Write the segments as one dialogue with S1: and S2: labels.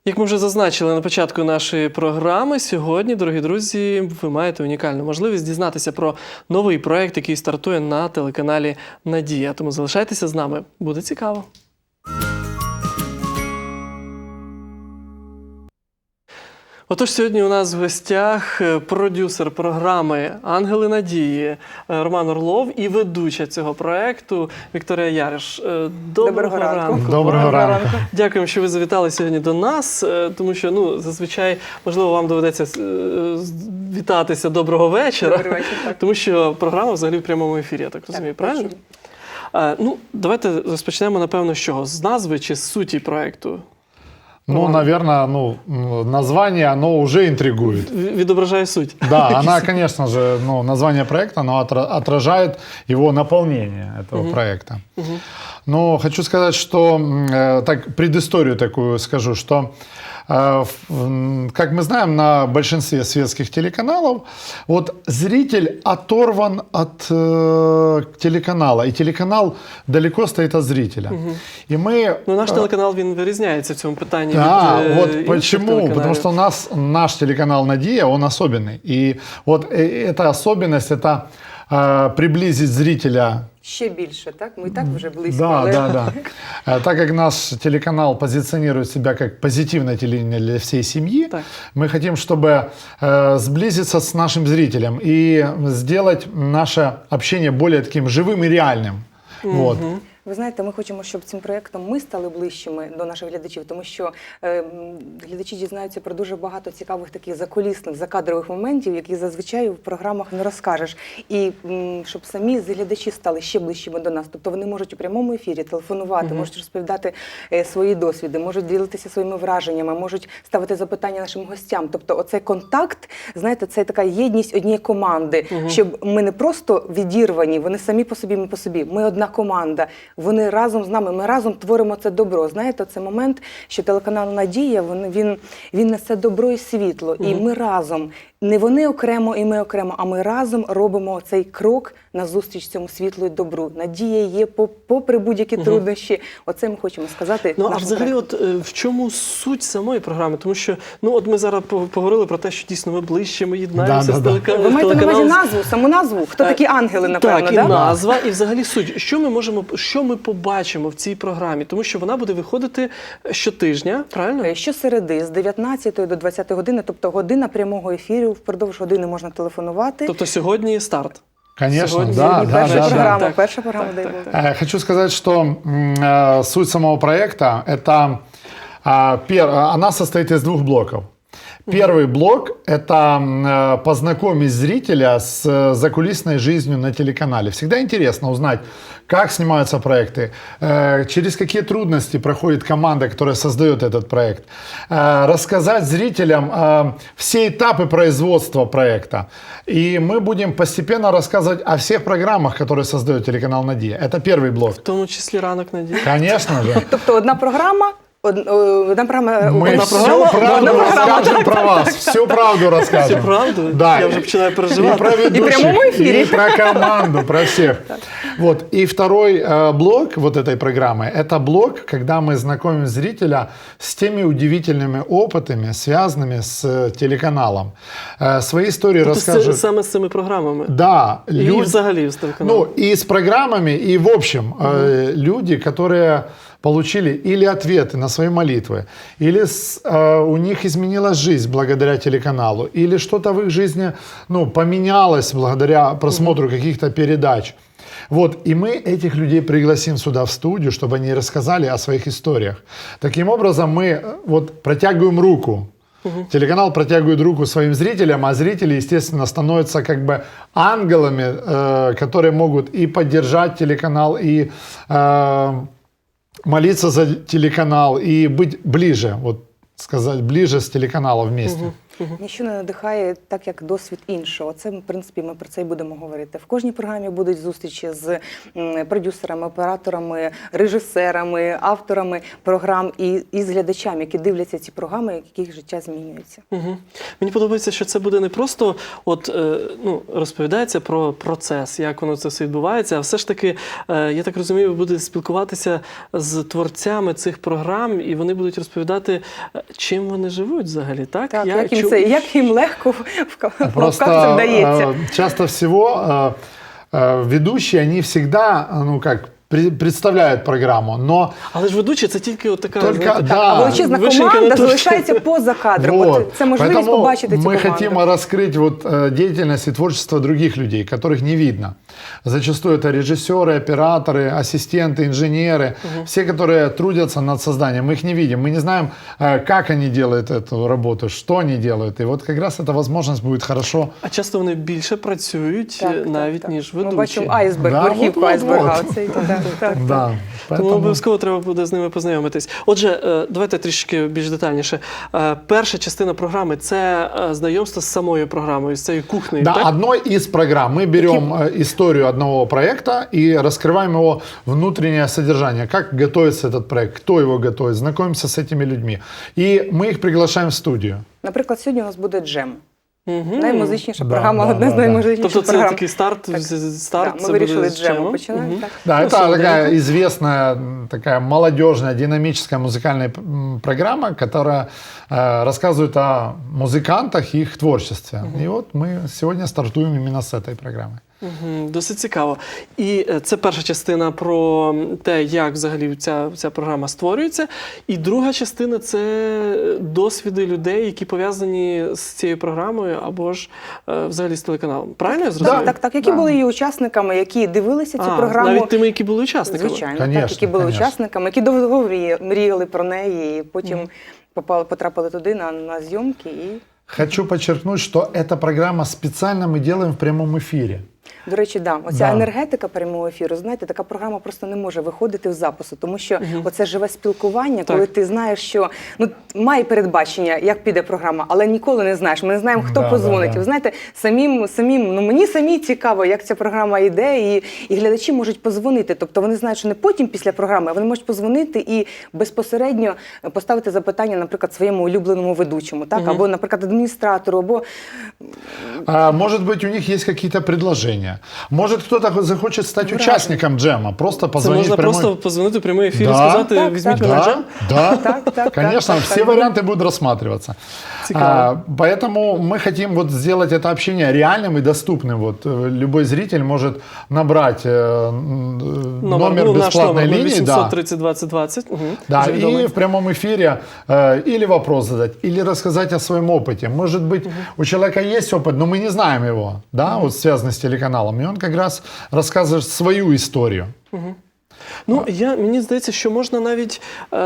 S1: Як ми вже зазначили на початку нашої програми, сьогодні, дорогі друзі, ви маєте унікальну можливість дізнатися про новий проєкт, який стартує на телеканалі «Надія». Тому залишайтеся з нами, буде цікаво. Отож, сьогодні у нас в гостях продюсер програми «Ангели Надії» Роман Орлов і ведуча цього проєкту Вікторія Яриш. Доброго ранку.
S2: Доброго ранку.
S1: Дякуємо, що ви завітали сьогодні до нас, тому що, зазвичай, можливо, вам доведеться вітатися «Доброго вечора», тому що програма взагалі в прямому ефірі, я так розумію, правильно? Давайте розпочнемо, напевно, з чого? З назви чи з суті проєкту?
S2: Наверное, название, оно уже интригует.
S1: Відображає суть.
S2: Да, она, конечно же, название проекта, оно отражает его наполнение, этого проекта. Но хочу сказать, что, так, предысторию такую скажу, что, как мы знаем, на большинстве светских телеканалов, вот зритель оторван от телеканала, и телеканал далеко стоит от зрителя. И мы...
S1: наш телеканал, він вирізняється в цьому питанні.
S2: Да, вот почему? Потому что у нас наш телеканал «Надія», он особенный. И вот эта особенность, это приблизить зрителя.
S3: Ще більше, так? Ми і так вже близько.
S2: Да. Так как наш телеканал позиционирует себя как позитивное телевидение для всей семьи, мы хотим, чтобы сблизиться с нашим зрителем и сделать наше общение более таким живым и реальным. Вот.
S3: Ви знаєте, ми хочемо, щоб цим проєктом ми стали ближчими до наших глядачів, тому що глядачі дізнаються про дуже багато цікавих таких закулісних, закадрових моментів, які зазвичай в програмах не розкажеш. І щоб самі глядачі стали ще ближчими до нас. Тобто вони можуть у прямому ефірі телефонувати, можуть розповідати свої досвіди, можуть ділитися своїми враженнями, можуть ставити запитання нашим гостям. Тобто оцей контакт, знаєте, це така єдність однієї команди, щоб ми не просто відірвані, вони самі по собі, ми по собі. Ми одна команда. Вони разом з нами, ми разом творимо це добро. Знаєте, це момент, що телеканал «Надія», він несе добро і світло. І ми разом, не вони окремо і ми окремо, а ми разом робимо цей крок назустріч цьому світлу і добру. Надія є попри будь-які труднощі. Оце ми хочемо сказати.
S1: А взагалі, в чому суть самої програми? Тому що, ми зараз поговорили про те, що дійсно ми ближче, ми єднаємося з телеканалом.
S3: Ви маєте на увазі назву, саму назву? Хто такі ангели, напевно,
S1: так? Так, і назва, і взагалі суть. Що ми побачимо в цій програмі? Тому що вона буде виходити щотижня, правильно?
S3: Щосереди, з 19 до 20 години, тобто година прямого ефіру, впродовж години можна телефонувати.
S1: Тобто сьогодні старт?
S2: Конечно,
S3: Перша програма, дай Бог.
S2: Хочу сказать, что суть самого проекта, она состоит из двух блоков. Первый блок – это познакомить зрителя с закулисной жизнью на телеканале. Всегда интересно узнать, как снимаются проекты, через какие трудности проходит команда, которая создает этот проект. Рассказать зрителям все этапы производства проекта. И мы будем постепенно рассказывать о всех программах, которые создает телеканал «Надія». Это первый блок.
S1: В тому числі «Ранок Надії».
S2: Конечно же.
S3: Тобто одна програма.
S2: Мы всю правду расскажем про вас, всю правду расскажем.
S1: Всю правду?
S2: Да.
S1: Я уже начинаю переживать.
S2: И про ведущих, и про команду, про всех. Вот. И второй блок вот этой программы, это блок, когда мы знакомим зрителя с теми удивительными опытами, связанными с телеканалом. Свои истории расскажут.
S1: Саме з цими програмами?
S2: Да.
S1: И взагалі з телеканалом?
S2: И с программами, и в общем, люди, которые получили или ответы на свои молитвы, или у них изменилась жизнь благодаря телеканалу, или что-то в их жизни поменялось благодаря просмотру каких-то передач. Вот, и мы этих людей пригласим сюда в студию, чтобы они рассказали о своих историях. Таким образом, мы протягиваем руку. Телеканал протягивает руку своим зрителям, а зрители, естественно, становятся как бы ангелами, которые могут и поддержать телеканал, и молиться за телеканал и быть ближе, сказать, ближе с телеканалом вместе.
S3: Ніщо не надихає так, як досвід іншого. Це, в принципі, ми про це і будемо говорити. В кожній програмі будуть зустрічі з продюсерами, операторами, режисерами, авторами програм і з глядачами, які дивляться ці програми, яких життя змінюється.
S1: Мені подобається, що це буде не просто розповідається про процес, як воно це все відбувається, а все ж таки, я так розумію, ви будете спілкуватися з творцями цих програм, і вони будуть розповідати, чим вони живуть взагалі, так?
S3: Так, як їм легко в кавках це вдається.
S2: Часто всего ведущие, они всегда, представляють програму, но...
S1: Але ж ведучий – це тільки от така...
S2: Да.
S3: Величезна команда залишається поза кадром.
S2: Вот.
S3: Це можливість побачити цю
S2: мы
S3: команду.
S2: хотим раскрыть деятельность и творчество других людей, которых не видно. Зачастую это режиссеры, операторы, ассистенты, инженеры, все, которые трудятся над созданием. Мы их не видим, мы не знаем, как они делают эту работу, что они делают. И вот как раз эта возможность будет хорошо.
S1: А часто вони більше працюють навіть, ніж ведучі.
S3: Ми бачимо айсберг, верхівку айсберга.
S2: Да,
S1: Тому обов'язково треба буде з ними познайомитись. Отже, давайте трішки більш детальніше. Перша частина програми – це знайомство з самою програмою, з цією кухнею,
S2: да,
S1: так?
S2: одной из программ. Мы берем историю одного проекта и раскрываем его внутреннее содержание. Как готовится этот проект, кто его готовит, знакомимся с этими людьми. И мы их приглашаем в студию.
S3: Наприклад, сьогодні у нас буде джем.
S1: Угу.
S3: Наймузичніша програма, одна з наймузичніших
S1: Тобто
S3: програм.
S1: це такий старт,
S3: ми вирішили з джему починати.
S2: Да, это такая известная, такая молодежная, динамическая музыкальная программа, которая рассказывает о музыкантах и их творчестве. И вот мы сегодня стартуем именно с этой программы.
S1: Досить цікаво. І це перша частина про те, як взагалі ця програма створюється. І друга частина – це досвіди людей, які пов'язані з цією програмою або ж взагалі з телеканалом. Правильно я зрозумів?
S3: Так. Які були її учасниками, які дивилися цю програму.
S1: Навіть тими, які були учасниками?
S3: Звичайно, так, які були учасниками, які довго мріяли про неї і потім потрапили туди на зйомки.
S2: Хочу подчеркнуть, что эта программа специально мы делаем в прямом эфире.
S3: До речі, оця енергетика прямого ефіру, знаєте, така програма просто не може виходити в запису, тому що оце живе спілкування, коли ти знаєш, що має передбачення, як піде програма, але ніколи не знаєш. Ми не знаємо, хто позвонить. Ви знаєте, мені самі цікаво, як ця програма йде, і глядачі можуть позвонити. Тобто вони знають, що не потім після програми, а вони можуть позвонити і безпосередньо поставити запитання, наприклад, своєму улюбленому ведучому, так? Або, наприклад, адміністратору, або...
S2: Может быть, у них есть какие-то предложения. Может, кто-то захочет стать участником джема, просто позвонить.
S1: Це можна просто позвонити в прямий ефір і сказати, візьміть мене в джем?
S2: Да, конечно, все варианты будут рассматриваться. Поэтому мы хотим сделать это общение реальным и доступным. Любой зритель может набрать номер бесплатной линии.
S1: 800 30 20 20.
S2: Да, и в прямом эфире или вопрос задать, или рассказать о своем опыте. Может быть, у человека есть опыт, но мы не знаем его, да, связанный с телеканалом. И он как раз рассказывает свою историю.
S1: Мені здається, що можна навіть,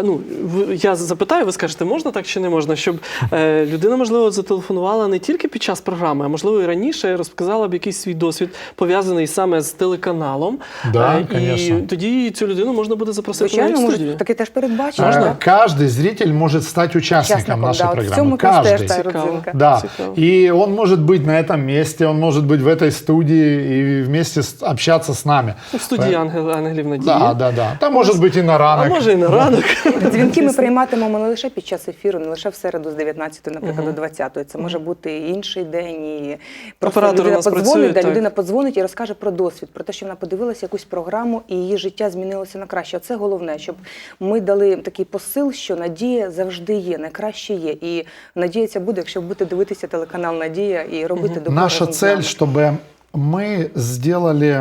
S1: я запитаю, ви скажете, можна так чи не можна, щоб людина, можливо, зателефонувала не тільки під час програми, а можливо і раніше розказала б якийсь свій досвід, пов'язаний саме з телеканалом.
S2: Да,
S1: і тоді цю людину можна буде запросити на студію.
S3: Звичайно, таке теж передбачено.
S2: Каждый зритель может стать участником нашей программы.
S3: Каждый.
S2: Да. И он может быть на этом месте, он может быть в этой студии и вместе общаться с нами.
S1: В студії Ангелів Надії.
S2: Да. Там може бути і на ранок.
S1: А може і на ранок.
S3: Дзвінки ми прийматимемо не лише під час ефіру, не лише в середу з 19, наприклад, до 20. Це може бути і інший день. І просто людина подзвонить і розкаже про досвід, про те, що вона подивилася якусь програму і її життя змінилося на краще. Це головне, щоб ми дали такий посил, що надія завжди є, найкраще є. І надія ця буде, якщо будете дивитися телеканал «Надія» і робити добро.
S2: Наша цель, чтобы мы сделали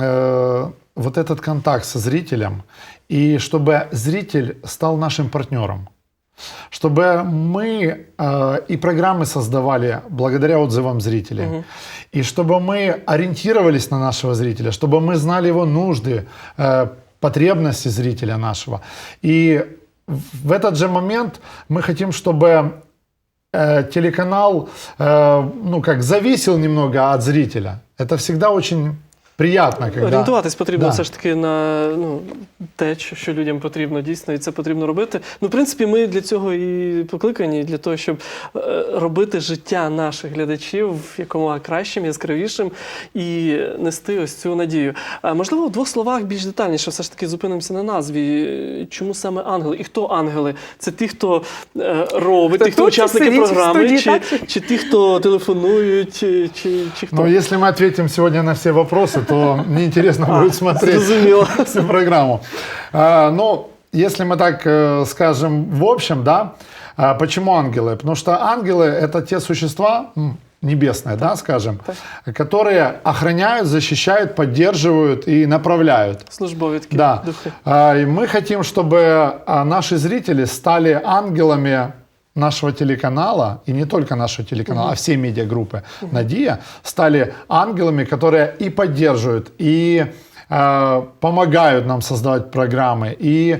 S2: вот этот контакт со зрителем, и чтобы зритель стал нашим партнером. Чтобы мы и программы создавали благодаря отзывам зрителей. И чтобы мы ориентировались на нашего зрителя, чтобы мы знали его нужды, потребности зрителя нашего. И в этот же момент мы хотим, чтобы телеканал зависел немного от зрителя. Это всегда очень приятно, когда...
S1: Орієнтуватись потрібно
S2: Да.
S1: все ж таки на те, що людям потрібно дійсно, і це потрібно робити. Ну, в принципі, ми для цього і покликані, для того, щоб робити життя наших глядачів якомога кращим, яскравішим і нести ось цю надію. Можливо, в двох словах більш детальніше все ж таки зупинимося на назві. Чому саме ангели? І хто ангели? Це ті, хто робить, ті, хто
S3: тут
S1: учасники
S3: сидить в
S1: програми,
S3: студії,
S1: чи ті, хто телефонують, чи хто?
S2: Ну, если мы ответим сегодня на все вопросы, то неинтересно будет смотреть
S1: зрозуміло.
S2: всю программу. Ну, если мы так скажем в общем, да, почему ангелы? Потому что ангелы — это те существа, небесные, да, скажем, которые охраняют, защищают, поддерживают и направляют.
S1: Службові такі
S2: Да.
S1: духи.
S2: И мы хотим, чтобы наши зрители стали ангелами нашего телеканала, и не только нашего телеканала, а всей медиагруппы «Надия», стали ангелами, которые и поддерживают, и помогают нам создавать программы, и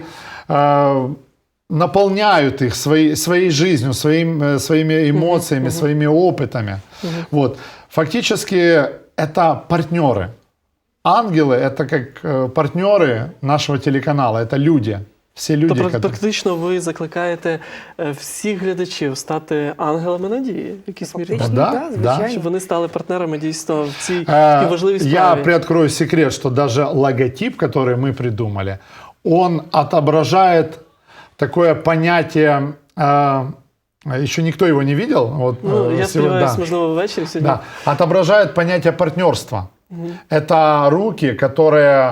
S2: наполняют их своей жизнью, своими эмоциями, своими опытами. Вот. Фактически это партнеры. Ангелы — это как партнеры нашего телеканала, это люди. Всі люди,
S1: Тобто практично ви закликаєте всіх глядачів стати ангелами надії, в якійсь мірі,
S3: Фактично,
S2: Да,
S3: так,
S2: да.
S3: звичайно.
S1: щоб вони стали партнерами дійсно в цій такій важливій
S2: Я
S1: справі.
S2: приоткрою секрет, что даже логотип, который мы придумали, он отображает такое понятие, еще никто его не видел. Вот,
S1: Ну, я
S2: сегодня,
S1: сподіваюся,
S2: да.
S1: можливо, ввечері сьогодні.
S2: Да, отображает понятие партнерства. Это руки, которые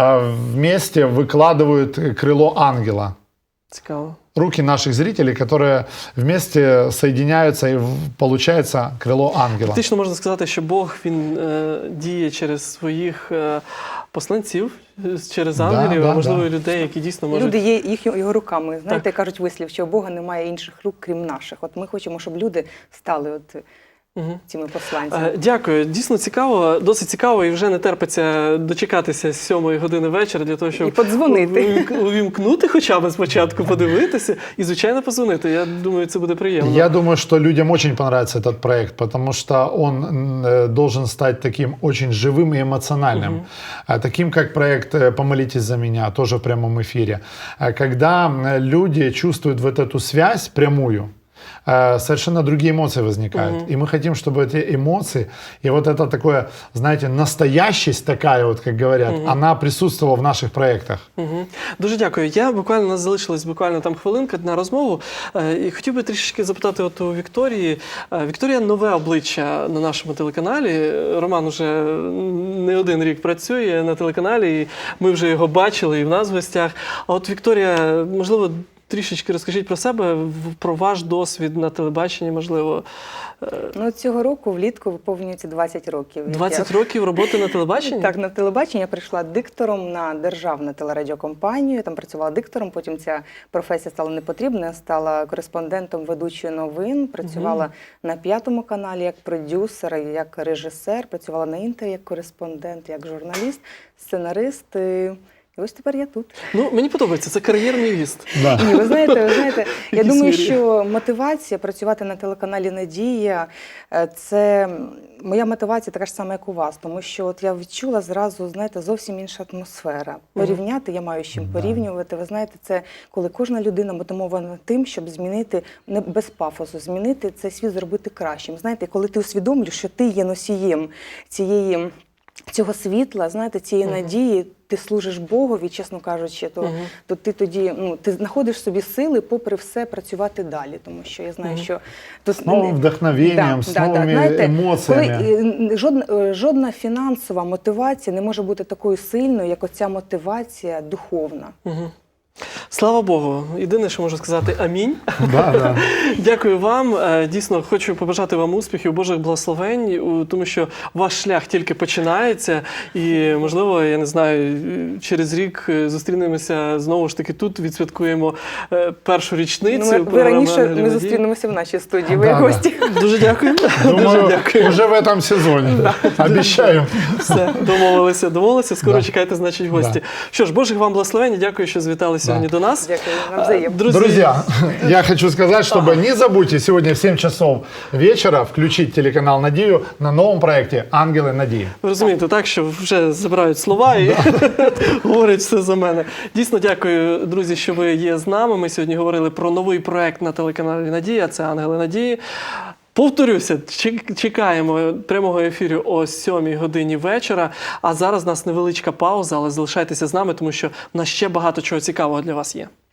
S2: вместе выкладывают крыло ангела.
S1: Цікаво.
S2: Руки наших зрителей, которые вместе соединяются, и получается крыло ангела.
S1: Фактично можна сказати, що Бог, він діє через своїх посланців, через ангелів,
S2: да,
S1: а можливо,
S2: да.
S1: і людей, які дійсно можуть...
S3: Люди є його руками. Знаєте,
S1: Так.
S3: кажуть вислів, що у Бога немає інших рук, крім наших. От ми хочемо, щоб люди стали цими посланцями.
S1: Дякую. Дійсно цікаво, досить цікаво, і вже не терпиться дочекатися 7-ї години вечора для того, щоб
S3: І подзвонити.
S1: увімкнути хоча б спочатку, подивитися і, звичайно, позвонити. Я думаю, це буде приємно.
S2: Я думаю, что людям очень понравится этот проект, потому что он должен стать таким очень живым и эмоциональным. Таким, как проект «Помолитесь за меня», тоже в прямом эфире. Когда люди чувствуют вот эту связь прямую, совершенно другие эмоции возникают. И мы хотим, чтобы эти эмоции и вот это такое, знаете, настоящесть такая, вот, как говорят, она присутствовала в наших проектах.
S1: Дуже дякую. У нас залишилась буквально там хвилинка на розмову. І хотів би трішечки запитати от у Вікторії. Вікторія — нове обличчя на нашому телеканалі. Роман уже не один рік працює на телеканалі, і ми вже його бачили і в нас в гостях. А от Вікторія, можливо, трішечки розкажіть про себе, про ваш досвід на телебаченні, можливо.
S3: Ну, цього року влітку виповнюється 20 років.
S1: 20 років роботи на телебаченні?
S3: Так, на телебаченні я прийшла диктором на державну телерадіокомпанію, там працювала диктором, потім ця професія стала непотрібна, я стала кореспондентом ведучої новин, працювала на 5-му каналі як продюсер, як режисер, працювала на Інтері як кореспондент, як журналіст, сценарист. І ось тепер я тут.
S1: Ну, мені подобається, це кар'єрний ріст.
S2: Да.
S3: Ні, ви знаєте, я
S1: Якісь
S3: думаю,
S1: мірі.
S3: що мотивація працювати на телеканалі «Надія» – це моя мотивація така ж сама, як у вас. Тому що от я відчула зразу, знаєте, зовсім інша атмосфера. Порівняти, я маю з чим порівнювати. Ви знаєте, це коли кожна людина мотивована тим, щоб змінити, не без пафосу, змінити цей світ, зробити кращим. Знаєте, коли ти усвідомлюєш, що ти є носієм цього світла, знаєте, цієї надії, ти служиш Богові, чесно кажучи, то ти тоді ти знаходиш собі сили, попри все, працювати далі. Тому що я знаю, що
S2: С новым вдохновением, с новыми
S3: знаєте,
S2: эмоциями.
S3: Коли жодна фінансова мотивація не може бути такою сильною, як оця мотивація духовна.
S1: Слава Богу. Єдине, що можу сказати, амінь.
S2: Да.
S1: Дякую вам. Дійсно, хочу побажати вам успіхів, Божих благословень, тому що ваш шлях тільки починається. І, можливо, я не знаю, через рік зустрінемося знову ж таки тут, відсвяткуємо першу річницю.
S3: Ви раніше ми зустрінемося в нашій студії, ви
S2: Да,
S3: гості.
S1: Дуже дякую. Дуже
S2: Думаю,
S1: дякую.
S2: уже в этом сезоне. Обещаю.
S1: Все, домовилися. Скоро чекайте, значить, гості. Що ж, Божих вам благословень. Дякую, що звіталися сьогодні до нас.
S3: Дякую, навзаєм.
S2: Друзья, я хочу сказать, чтобы не забудьте сегодня в 7 часов вечера включить телеканал «Надію» на новом проекте «Ангелы Надії».
S1: Ви розумієте, так, що вже забирають слова і говорять все за мене. Дійсно, дякую, друзі, що ви є з нами. Ми сьогодні говорили про новий проект на телеканалі «Надія», це «Ангели Надії». Повторюся, чекаємо прямого ефіру о 7 годині вечора. А зараз у нас невеличка пауза, але залишайтеся з нами, тому що в нас ще багато чого цікавого для вас є.